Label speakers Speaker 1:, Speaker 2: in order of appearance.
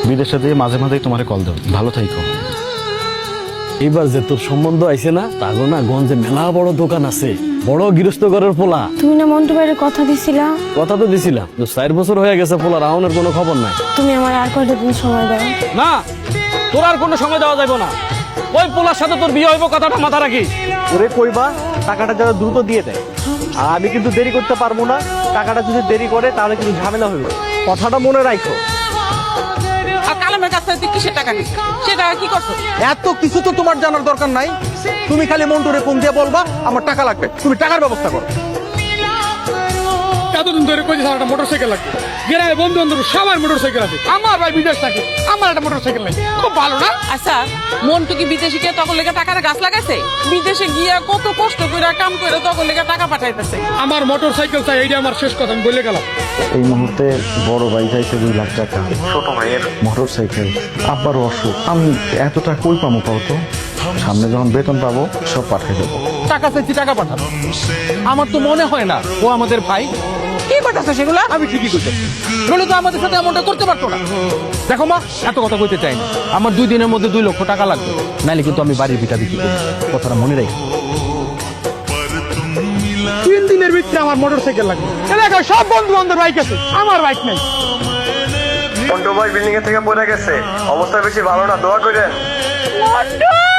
Speaker 1: বিদেশে দিয়ে মাঝে মাঝে তোমারে কল দেব। ভালো থাইকো।
Speaker 2: এবার যে তোর সম্বন্ধ আইছে না, তাগো না গঞ্জে মেলা বড় দোকান আছে, বড় গৃহস্থ ঘরের পোলা।
Speaker 3: তুমি না মন্টু ভাইয়ের কথা দিছিলা?
Speaker 2: কথা তো দিছিলাম, 4 বছর হয়ে গেছে পোলা রাউনের কোনো খবর নাই।
Speaker 3: তুমি আমার আর কয়টা দিন সময় দাও।
Speaker 2: না, তোর আর কোনো সময় দেওয়া যাবে না। ওই পোলার সাথে তোর বিয়ে হইব, কথাটা মাথা রাখিস।
Speaker 4: ওরে কইবা টাকাটা যারা দ্রুত দিয়ে দেয়, আর আমি কিন্তু দেরি করতে পারবো না। টাকাটা যদি দেরি করে তাহলে কিন্তু ঝামেলা হইব, কথাটা মনে রাখো।
Speaker 5: আর কালামের কাছ থেকে কিসের টাকা নিস? সে টাকা কি করছো?
Speaker 6: এত কিছু তো তোমার জানার দরকার নাই। তুমি খালি মন্টুরে ফোন দিয়ে বলবা আমার টাকা লাগবে, তুমি টাকার ব্যবস্থা করো।
Speaker 7: এতদিন ধরে কইছে স্যার একটা মোটরসাইকেল লাগবে, গ্রামে বন্ধু বান্ধব সবার মোটরসাইকেল আছে, আমার ভাই বিদেশ থাকে, আমার একটা মোটরসাইকেল নাই। খুব ভালো না?
Speaker 5: আচ্ছা, মন্টু কি বিদেশে গিয়ে তখন লেগে টাকার গাছ লাগাইছে? বিদেশে গিয়া কত কষ্ট করে কাম করে তখন লেগে টাকা পাঠাইতেছে।
Speaker 7: আমার মোটরসাইকেল চাই, এইটা আমার শেষ কথা, আমি বলে গেলাম।
Speaker 1: এই মুহূর্তে বড় ভাই চাইছে 2 লাখ টাকা, ছোট ভাইয়ের মোটরসাইকেল, আব্বারও অসুখ। আমি এতটা কই পাবো পাও তো? সামনে যখন বেতন পাবো সব পাঠিয়ে দেবো।
Speaker 6: টাকা চাইছি, টাকা পাঠাবো। আমার তো মনে হয় না ও আমাদের ভাই।
Speaker 5: কি করতেছে সেগুলা?
Speaker 6: আমি ঠিকই কইতে, নইলে তো আমাদের সাথে এমনটা করতে পারতো না। দেখো মা, এত কথা কইতে চাই না। আমার 2 দিনের মধ্যে 2 লক্ষ টাকা লাগবে, নাইলে কিন্তু আমি বাড়ির ভিটা বিক্রি করব। কথাটা মনে রাখি।
Speaker 7: 3 দিনের ভিতরে আমার মোটরসাইকেল লাগবে। এলাকায় সব বন্ধু বান্ধব বাইক আছে, আমার বাইক নাই।
Speaker 4: মন্টু ভাই বিল্ডিং এর থেকে পড়ে গেছে, অবস্থা বেশি ভালো না, দোয়া করেন।
Speaker 5: মন্টু!